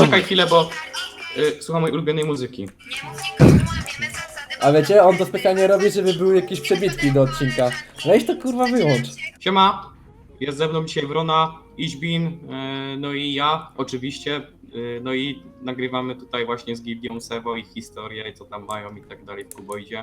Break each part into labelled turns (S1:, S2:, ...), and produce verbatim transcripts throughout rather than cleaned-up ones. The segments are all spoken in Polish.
S1: Poczekaj chwilę, bo y, słucham mojej ulubionej muzyki.
S2: A wiecie, on to specjalnie robi, żeby były jakieś przebitki do odcinka. Weź to kurwa wyłącz.
S1: Siema, jest ze mną dzisiaj Wrona, Iźbin, y, no i ja oczywiście, y, no i nagrywamy tutaj właśnie z Gildią Sevo ich historię, co tam mają i tak dalej w Kuboidzie.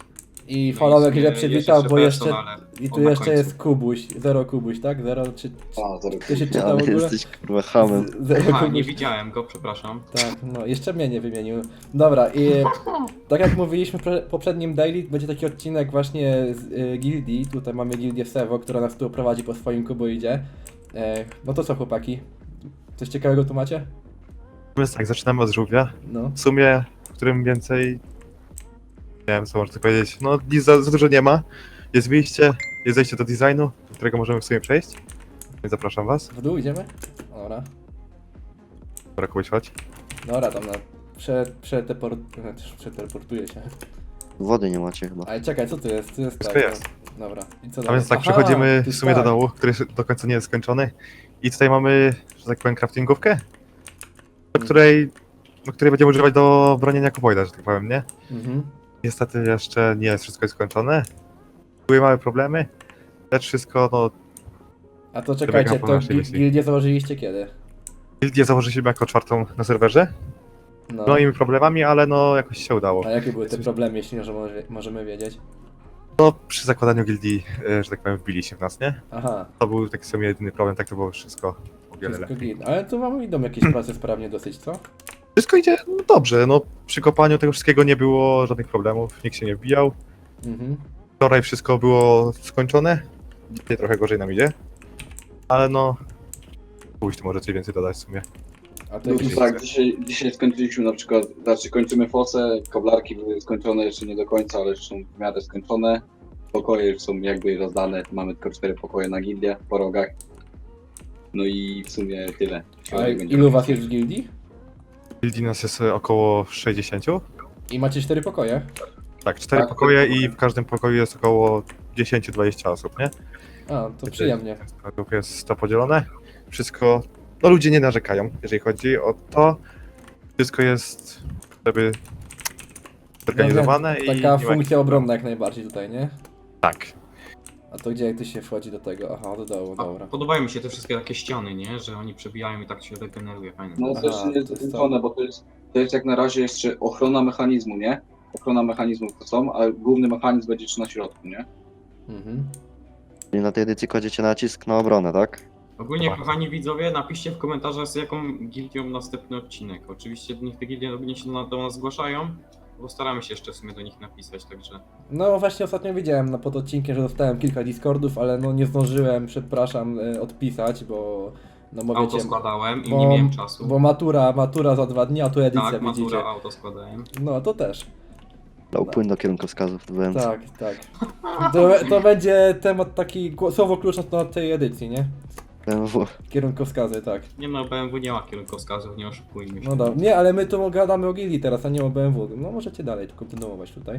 S2: I
S1: No
S2: Followek
S1: i
S2: źle
S1: jest
S2: przywitał,
S1: jeszcze
S2: bo jeszcze...
S1: person, ale
S2: I tu
S1: on na
S2: jeszcze
S1: końcu.
S2: jest Kubuś. Zero Kubuś, tak? Zero czy...
S3: A, to
S2: To się czyta w
S4: Ale
S2: ogóle?
S4: jesteś kurwa hamem.
S2: Z- Zero
S1: Aha, nie
S2: Kubuś.
S1: widziałem go, przepraszam.
S2: Tak, no jeszcze mnie nie wymienił. Dobra, i tak jak mówiliśmy w pre- poprzednim daily, będzie taki odcinek właśnie z y, gildii. Tutaj mamy gildię Sevo, która nas tu prowadzi po swoim kuboidzie. E, no to co chłopaki? Coś ciekawego tu macie?
S5: Więc tak, zaczynamy od żółwia.
S2: No.
S5: W sumie, w którym więcej... Nie wiem, co można powiedzieć. No, nic za, za dużo nie ma. Jest wyjście, jest zejście do designu, do którego możemy w sumie przejść. Więc zapraszam was.
S2: W dół idziemy? Dobra.
S5: Dobra, Kubuś, chodź.
S2: Dobra, tam na... Prze, przetepor... przeteleportuję się.
S4: Wody nie macie chyba.
S2: Ale czekaj, co tu jest? Tu jest
S5: Wszystko
S2: tak,
S5: jest.
S2: no. Dobra. I co
S5: A
S2: dalej?
S5: więc tak,
S2: Aha,
S5: przechodzimy
S2: tu
S5: w
S2: jest
S5: sumie do
S2: tak.
S5: dołu, który jeszcze do końca nie jest skończony. I tutaj mamy, że tak powiem, craftingówkę, do której, do której będziemy używać do bronienia kuboida, że tak powiem, nie?
S2: Mhm.
S5: Niestety jeszcze nie jest wszystko skończone. Były małe problemy, lecz wszystko, no,
S2: A to czekajcie,
S5: Wybiegam po
S2: to
S5: naszej
S2: gi-
S5: misji.
S2: gildię założyliście kiedy?
S5: gildię założyliśmy jako czwartą na serwerze.
S2: No.
S5: No i problemami, ale no jakoś się udało.
S2: A jakie były te problemy, jeśli może, może, możemy wiedzieć?
S5: No przy zakładaniu gildii, e, że tak powiem, wbili się w nas, nie?
S2: Aha,
S5: To był taki sobie jedyny problem, tak to było wszystko o wiele
S2: wszystko
S5: lepiej.
S2: git. Ale tu wam idą jakieś prace sprawnie dosyć, co?
S5: Wszystko idzie no, dobrze, no przy kopaniu tego wszystkiego nie było żadnych problemów, nikt się nie wbijał.
S2: Mhm.
S5: Wczoraj wszystko było skończone, dzisiaj trochę gorzej nam idzie, ale no... Pójść tu może coś więcej dodać w sumie.
S2: A to
S3: No
S2: jakieś...
S3: to tak, dzisiaj, dzisiaj skończyliśmy na przykład, znaczy kończymy fosę, koblarki były skończone jeszcze nie do końca, ale już są w miarę skończone. Pokoje już są jakby rozdane, mamy tylko cztery pokoje na gildię po rogach. No i w sumie tyle.
S2: A ilu was jest w gildii?
S5: Gildii nas jest e, około sześćdziesiąt.
S2: I macie cztery pokoje?
S5: Tak, cztery
S3: Tak,
S5: pokoje
S3: cztery
S5: i w każdym pokoju jest około dziesięć do dwudziestu osób, nie?
S2: A, to przyjemnie.
S5: Według jest to podzielone. Wszystko, no ludzie nie narzekają, jeżeli chodzi o to. Wszystko jest, żeby zorganizowane i
S2: Taka
S5: nie ma
S2: funkcja
S5: jakichś-
S2: obronna jak najbardziej tutaj, nie?
S5: Tak.
S2: A to gdzie jak ty się wchodzi do tego? Aha, do dołu,
S1: A,
S2: dobra.
S1: podobają mi się te wszystkie takie ściany, nie? Że oni przebijają i tak się regeneruje, fajnie.
S3: No
S2: Aha,
S3: to jeszcze nie jest
S2: to jest
S3: dokończone, bo to jest, to jest jak na razie jeszcze ochrona mechanizmu, nie? Ochrona mechanizmów to są, a główny mechanizm będzie jeszcze na środku, nie?
S2: Mhm.
S4: Czyli na tej edycji kładziecie nacisk na obronę, tak?
S1: Ogólnie,
S5: Dobra.
S1: kochani widzowie, napiszcie w komentarzach, z jaką gildią następny odcinek. Oczywiście niech te gildie ogólnie się na- do nas zgłaszają, bo staramy się jeszcze w sumie do nich napisać, także...
S2: No właśnie ostatnio widziałem na pod odcinkiem, że dostałem kilka Discordów, ale no nie zdążyłem, przepraszam, e, odpisać, bo... No bo
S1: Auto
S2: wiecie,
S1: składałem i
S2: bo-
S1: nie miałem czasu.
S2: bo matura, matura za dwa dni, a tu edycja
S1: Tak,
S2: widzicie.
S1: matura, auto składałem.
S2: No to też.
S4: Dał płyn do kierunkowskazów w B M C.
S2: Tak, tak. To, to będzie temat taki gło- słowo klucz na tej edycji, nie?
S4: B M W.
S2: Kierunkowskazy, tak.
S1: Nie no, B M W nie ma kierunkowskazów, nie oszukujmy się.
S2: No dobra. Nie, ale my tu gadamy o gildii teraz, a nie o B M W. No możecie dalej tu kontynuować tutaj.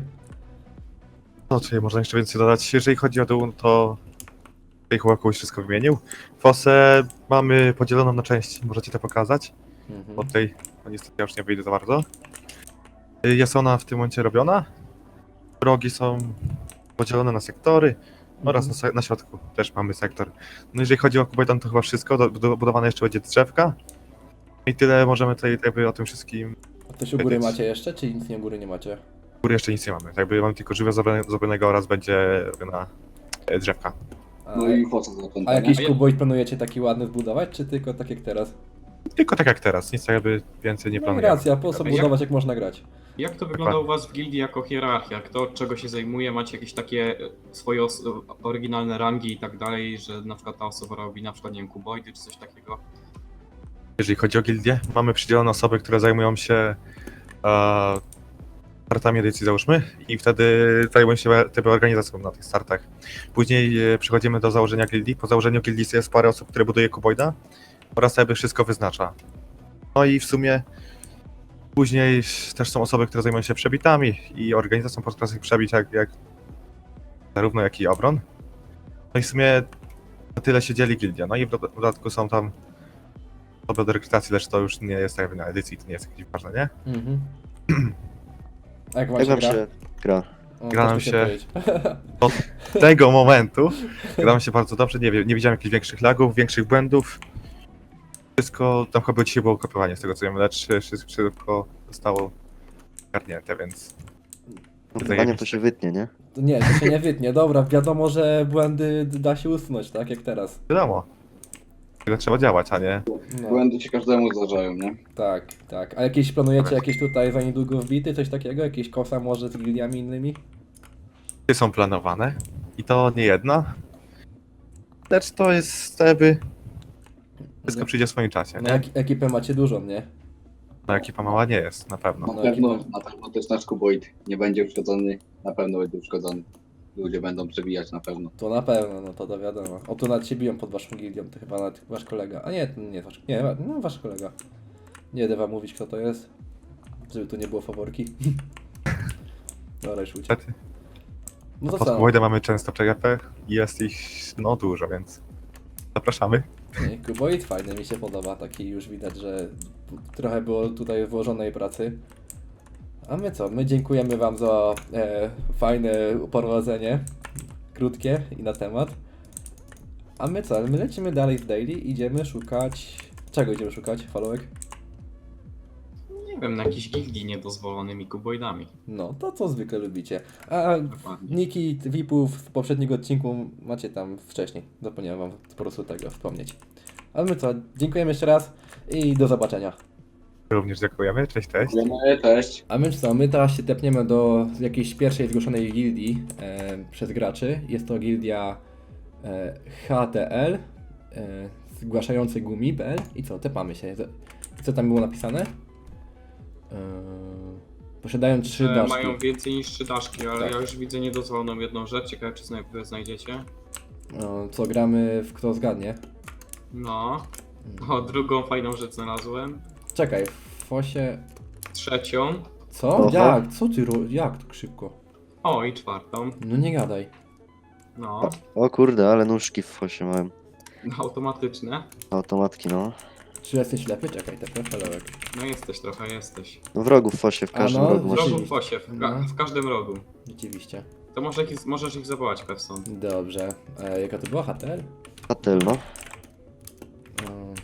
S5: No, czyli można jeszcze więcej dodać. Jeżeli chodzi o dół, to tutaj chyba kogoś wszystko wymienił. Fosę mamy podzieloną na części, możecie to pokazać.
S2: Mhm.
S5: Bo tutaj, no niestety ja już nie wyjdę za bardzo. Y, Jest ona w tym momencie robiona. Rogi są podzielone na sektory oraz na,
S2: Mhm.
S5: se- na środku też mamy sektor. No jeżeli chodzi o Kuboidan, to chyba wszystko, do, do, budowane jeszcze będzie drzewka. I tyle możemy tutaj jakby o tym wszystkim.
S2: A coś u góry
S5: edycji.
S2: macie jeszcze, czy nic nie u góry nie macie?
S5: U góry jeszcze nic nie mamy. Jakby mamy tylko żywia zrobione- zrobionego oraz będzie robiona e, drzewka.
S2: A,
S3: No i fosa zakończona.
S2: a jakiś
S1: A ja-
S2: kuboid planujecie taki ładny zbudować, czy tylko tak jak teraz?
S5: Tylko tak jak teraz, nic jakby więcej nie
S2: No i
S5: planujemy.
S2: racja, po co
S1: Jak-
S2: budować jak można grać?
S1: Jak to wygląda u was w gildii jako hierarchia? Kto od czego się zajmuje? Macie jakieś takie e, swoje os- oryginalne rangi i tak dalej, że na przykład ta osoba robi na przykład, nie wiem, kuboidy czy coś takiego?
S5: Jeżeli chodzi o gildię, mamy przydzielone osoby, które zajmują się e, startami edycji, załóżmy, i wtedy zajmują się typy organizacją na tych startach. Później e, przechodzimy do założenia gildii. Po założeniu gildii jest parę osób, które buduje kuboida oraz jakby wszystko wyznacza. No i w sumie później też są osoby, które zajmują się przebitami i organizacją podczas tych przebić, jak, jak zarówno jak i obron. No i w sumie na tyle się dzieli gildia. No i w dodatku są tam osoby do rekrutacji, lecz to już nie jest jakby na edycji, to nie jest jakieś ważne, nie?
S2: Mhm. A jak wam
S4: Jak
S2: się
S4: wam
S2: gra?
S4: się gra?
S2: O,
S5: gra nam
S2: też mi
S5: się-
S2: powiedzieć.
S5: Od tego momentu gra mi się bardzo dobrze, nie wiem, nie widziałem jakichś większych lagów, większych błędów. Wszystko, tam chyba dzisiaj było kopiowanie z tego co wiem, lecz wszystko, wszystko zostało ogarnięte, więc
S4: No,
S5: Tutaj
S4: Wyzwaniem
S5: jakieś-
S4: to się wytnie, nie?
S2: Nie, to się nie wytnie. Dobra, wiadomo, że błędy da się usunąć, tak jak teraz.
S5: wiadomo. Tyle trzeba działać, a nie
S2: No,
S3: Błędy się każdemu zdarzają, nie?
S2: tak, tak. A jakieś planujecie jakieś tutaj za niedługo wbity, coś takiego? Jakieś kosa może z gildiami innymi?
S5: Ty są planowane i to nie jedna. Lecz to jest jakby wszystko przyjdzie w swoim czasie,
S2: No,
S5: nie?
S2: ek- ekipę macie dużą, nie?
S5: No ekipa mała nie jest, na pewno.
S3: Na
S2: No,
S3: pewno,
S2: ekipa.
S3: na pewno też nasz kuboid nie będzie uszkodzony, na pewno będzie uszkodzony. Ludzie będą przebijać na pewno.
S2: To na pewno, no to, to wiadomo. O, tu nawet się biją pod waszą gildią, to chyba nawet wasz kolega. A nie, to nie wasz, nie, no wasz kolega. Nie będę wam mówić, kto to jest, żeby tu nie było faworki. Dobra, już uciekł.
S5: Niestety.
S2: No to
S5: Pod
S2: co?
S5: Kuboidem mamy często P G P i jest ich no dużo, więc zapraszamy.
S2: Nie, Kuboid fajny, mi się podoba, taki już widać, że trochę było tutaj włożonej pracy. A my co? My dziękujemy wam za e, fajne prowadzenie, krótkie i na temat. A my co? My lecimy dalej w daily, idziemy szukać... Czego idziemy szukać, Followek?
S1: Nie wiem, na jakichś gildii niedozwolonymi kuboidami.
S2: No, to co zwykle lubicie. A
S1: Dokładnie.
S2: niki V I Pów w poprzedniego odcinku macie tam wcześniej. Zapomniałem wam po prostu tego wspomnieć. Ale my co? Dziękujemy jeszcze raz i do zobaczenia.
S5: Również dziękujemy, cześć, cześć.
S3: Dziękujemy, cześć.
S2: A my co? My teraz się tepniemy do jakiejś pierwszej zgłoszonej gildii e, przez graczy. Jest to gildia e, H T L, e, zgłaszający gumi kropka p l. I co? Tepamy się. I co tam było napisane? E, posiadają trzy
S1: Że
S2: daszki.
S1: mają więcej niż trzy daszki, ale
S2: Tak.
S1: ja już widzę niedozwoloną jedną rzecz. Ciekawe, czy zna- wy znajdziecie.
S2: E, co gramy w kto zgadnie?
S1: No. O, drugą fajną rzecz znalazłem.
S2: Czekaj, w fosie...
S1: Trzecią.
S2: Co?
S4: Oho.
S2: Jak? Co ty ro... Jak tak szybko?
S1: O, i czwartą.
S2: No nie gadaj.
S1: No.
S4: O kurde, ale nóżki w fosie miałem.
S1: Automatyczne.
S4: Automatki, no.
S2: Czy jesteś ślepy? Czekaj, te profilołek.
S1: No jesteś trochę, jesteś.
S4: No wrogów w fosie, w
S2: A
S4: każdym
S2: no,
S4: rogu
S1: W
S4: masz.
S1: rogu w
S2: Rzeczywiście.
S1: fosie, w, ka-
S2: No.
S1: w każdym rogu.
S2: Rzeczywiście.
S1: To może ich, możesz ich zawołać, Pewson.
S2: Dobrze. E, jaka to była? H T L?
S4: Hotel, no.
S2: Mm.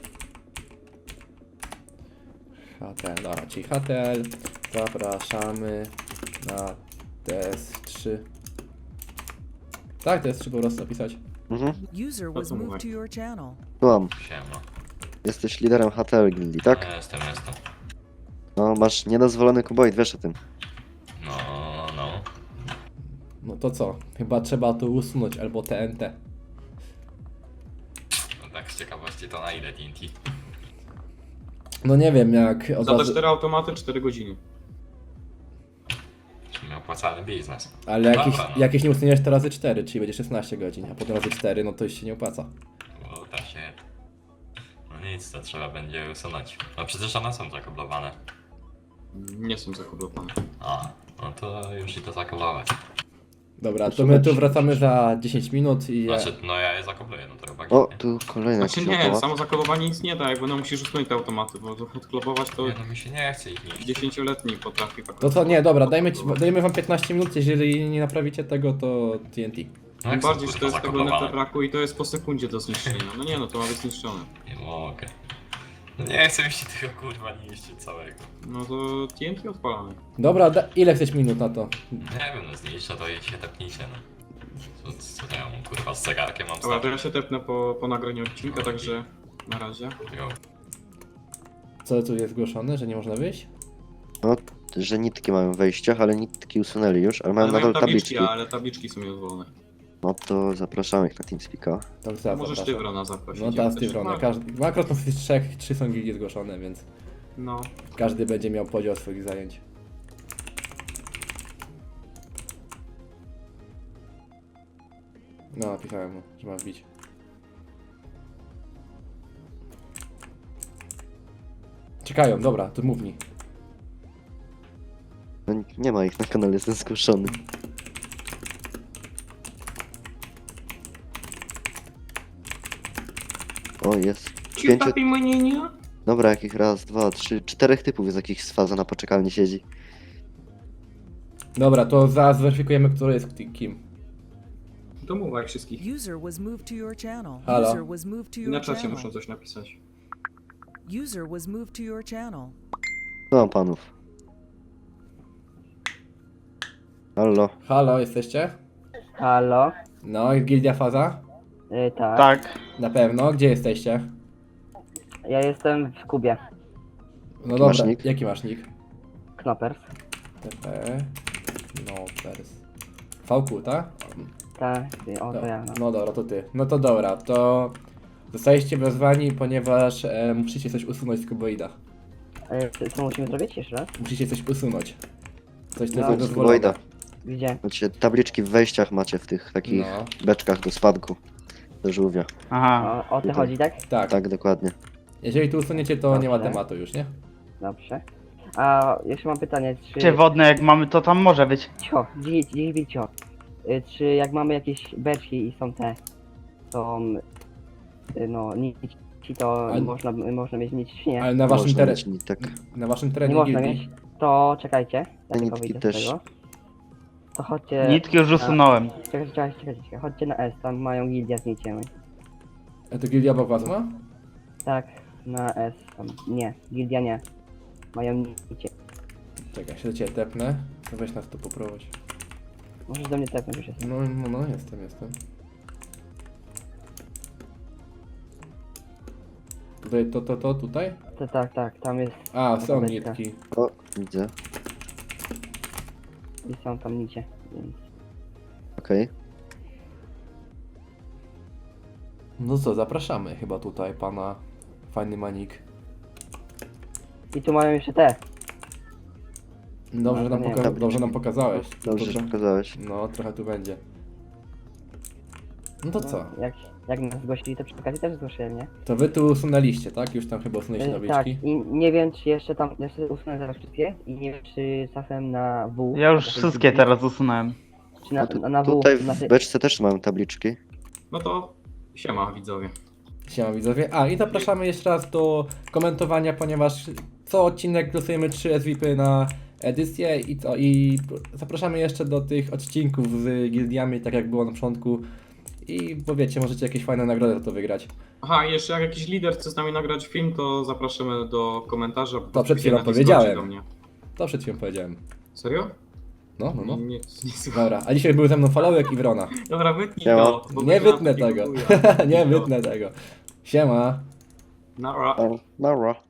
S2: H T L, dobra, czyli H T L. Zapraszamy na T S trzy. Tak, T S trzy po prostu napisać.
S4: Mhm.
S6: User was
S1: co mówię?
S6: moved to your channel.
S4: Słucham.
S7: Siema.
S4: Jesteś liderem H T L Gildii, tak?
S7: No, jestem, jestem.
S4: No, masz niedozwolony kuboid, wiesz o tym.
S7: No, no.
S2: No to co? Chyba trzeba to usunąć, albo T N T.
S7: No tak z ciekawości to na ile T N T?
S2: No nie wiem, jak od
S1: Za te
S2: razu...
S1: cztery automaty cztery godziny.
S7: Czyli opłacalny biznes.
S2: Ale jakieś,
S7: Dobra, no.
S2: jakieś nie usuniesz to razy cztery, czyli będzie szesnaście godzin, a potem razy cztery, no to już się nie opłaca.
S7: Bo da się... No nic, to trzeba będzie usunąć. No przecież one są zakoblowane.
S1: Nie są zakoblowane.
S7: A, no to już i to zakoblować.
S2: Dobra, to my tu wracamy za dziesięć minut i...
S7: Znaczy, no ja je zakobluję, no to chyba
S4: O,
S7: nie.
S4: tu kolejny
S1: Znaczy
S4: jakiś
S1: nie,
S4: automat.
S1: samo zakolowanie nic nie da, jakby no musisz usunąć te automaty, bo to odklopować to
S7: Nie, no mi się nie chce ich niszczyć.
S1: dziesięcioletni potrafi tak.
S2: To co, nie, dobra, dajmy ci, dajemy wam piętnaście minut, jeżeli nie naprawicie tego, to T N T.
S7: No
S1: Tym
S7: jak są,
S1: bardziej, że to
S7: kurwa,
S1: jest tego
S7: zakoblowane.
S1: netherracku i to jest po sekundzie do zniszczenia. No nie no, to ma być zniszczone.
S7: Nie mogę. No nie chcę mi się tego kurwa niszczyć całego.
S1: No to T N T odpalamy.
S2: Dobra, da, ile chcesz minut na to?
S7: Nie wiem, no zniszczę to i się tepnijcie, no. Co, co to ja mam kurwa z zegarkiem mam
S1: Dobra, to
S7: stać?
S1: ja się tepnę po, po nagraniu odcinka, także na razie.
S7: Jo.
S2: Co tu jest zgłoszone, że nie można wyjść?
S4: No, że nitki mają w wejściach, ale nitki usunęli już, ale mają
S1: Ale mają
S4: nadal
S1: tabliczki,
S4: tabliczki.
S1: ale tabliczki są niedozwolone.
S4: No to zapraszamy ich na TeamSpeaka.
S2: To za,
S1: Możesz
S2: zapraszam.
S1: Tywrona zaprosić.
S2: No
S1: jak
S2: teraz
S1: chcesz.
S2: Tywrona, każdy, bo akurat z tych trzech, trzy są gildie zgłoszone, więc
S1: No.
S2: każdy będzie miał podział swoich zajęć. No, napisałem mu, że ma wbić. Czekają, dobra, to mów mi.
S4: No, nie ma ich na kanale, jestem zgłoszony. O, jest. Pięciu...
S1: mnie nie?
S4: Dobra, jakich raz, dwa, trzy, czterech typów jest jakichś z faza na poczekalni siedzi.
S2: Dobra, to zaraz zweryfikujemy, który jest ki- kim.
S1: To mówaj wszystkich.
S6: User was moved to your channel.
S2: Halo.
S6: User was moved to your
S1: Na czacie
S6: channel.
S1: muszą coś napisać.
S6: User was moved to your channel.
S4: Co mam panów? Halo?
S2: Halo, jesteście?
S8: Halo?
S2: No, i Gildia Faza?
S8: Y, tak.
S9: Tak.
S2: Na pewno. Gdzie jesteście?
S8: Ja jestem w Kubie.
S2: No
S4: Jaki masz
S2: dobra,
S4: nick?
S2: jaki masz nick?
S8: Knoppers.
S2: T P. No, pers. V Q, tak?
S8: Tak, ty, o to ja. No.
S2: No dobra, to ty. No to dobra, to zostaliście wezwani, ponieważ e, musicie coś usunąć z kuboida.
S8: Y, co- co musimy zrobić jeszcze raz?
S2: Musicie coś usunąć. Coś, co
S8: No,
S2: jest
S4: Z
S2: dozwolone.
S4: Kuboida.
S8: Gdzie?
S4: Macie tabliczki w wejściach macie w tych takich
S2: No,
S4: beczkach do spadku. Do żółwia.
S9: Aha.
S8: O, o to chodzi, tak?
S2: tak.
S4: Tak, dokładnie.
S2: Jeżeli tu usuniecie, to nie ma
S8: Dobrze.
S2: tematu już, nie?
S8: Dobrze. A jeszcze mam pytanie, czy...
S9: Czy wodne jak mamy, to tam może być.
S8: Cicho, dziś, dziś, cicho. Y, czy jak mamy jakieś beczki i są te... Są... Y, no, nici, to
S2: Ale-
S8: można, można mieć nici, czy nie?
S2: Ale na waszym,
S4: Można
S2: teren,
S4: mieć nitek.
S2: na waszym
S8: Nie
S2: terenie
S8: można
S2: gildii.
S8: mieć. To czekajcie. Ja tylko
S4: nitki
S8: wyjdę z
S4: też.
S8: tego. To chodźcie...
S9: Nitki już usunąłem.
S8: Czekajcie, czekajcie, czekajcie, czekajcie. Chodźcie na S, tam mają gildia z niciem.
S2: A to gildia obok was ma?
S8: Tak, na S, tam. Nie, gildia nie. Mają nicie.
S2: Czekaj, się do ciebie tepnę. To weź nas tu poprowadź.
S8: Możesz do mnie tepnąć już jest.
S2: No, no, no, jestem, jestem. Tutaj, to, to, to, tutaj?
S8: To, tak, tak, tam jest...
S2: A, są
S8: Dobra,
S2: nitki.
S4: O, widzę.
S8: I są tam nicie, więc...
S4: Okej.
S2: No co, zapraszamy chyba tutaj pana fajny manik.
S8: I tu mają jeszcze te.
S2: Dobrze, że nam,
S8: No, nie,
S2: poka-
S4: tabliczki.
S2: dobrze nam pokazałeś.
S4: Dobrze, że
S2: Dobrze.
S4: pokazałeś.
S2: No, trochę tu będzie. No to co?
S8: No, jak, jak nas zgłosili, to przy okazji też zgłosiłem, nie?
S2: To wy tu usunęliście, tak? Już tam chyba usunęliście
S8: Y, tak,
S2: tabliczki.
S8: i nie wiem, czy jeszcze tam... Jeszcze usunę zaraz wszystkie. I nie wiem, czy czasem na W...
S9: Ja już
S8: na tej
S9: wszystkie
S8: gildii,
S9: teraz usunąłem.
S8: Czy na,
S4: No tu,
S8: na, na W...
S4: tutaj
S8: na
S4: w
S8: tej-
S4: beczce też mamy tabliczki.
S1: No to siema widzowie.
S2: Siema widzowie. A i zapraszamy jeszcze raz do komentowania, ponieważ co odcinek losujemy trzy S V P na edycję i co? I zapraszamy jeszcze do tych odcinków z gildiami, tak jak było na początku. I bo wiecie, możecie jakieś fajne nagrody za to wygrać.
S1: Aha, i jeszcze jak jakiś lider chce z nami nagrać film, to zapraszamy do komentarza.
S2: To przed chwilą
S1: na Discordzie
S2: powiedziałem.
S1: do mnie.
S2: To przed chwilą powiedziałem.
S1: Serio?
S2: No, no, no.
S1: Nie, nie słucham.
S2: Dobra, a dzisiaj był ze mną Followek i Wrona.
S1: Dobra, wytnij
S4: Siema.
S1: to. bo
S2: Nie
S1: będzie
S2: wytnę
S1: na
S2: tego.
S1: filmu chuja.
S2: Nie
S1: Wytnij to.
S2: wytnę tego. Siema.
S1: Nara.
S4: O, Nara.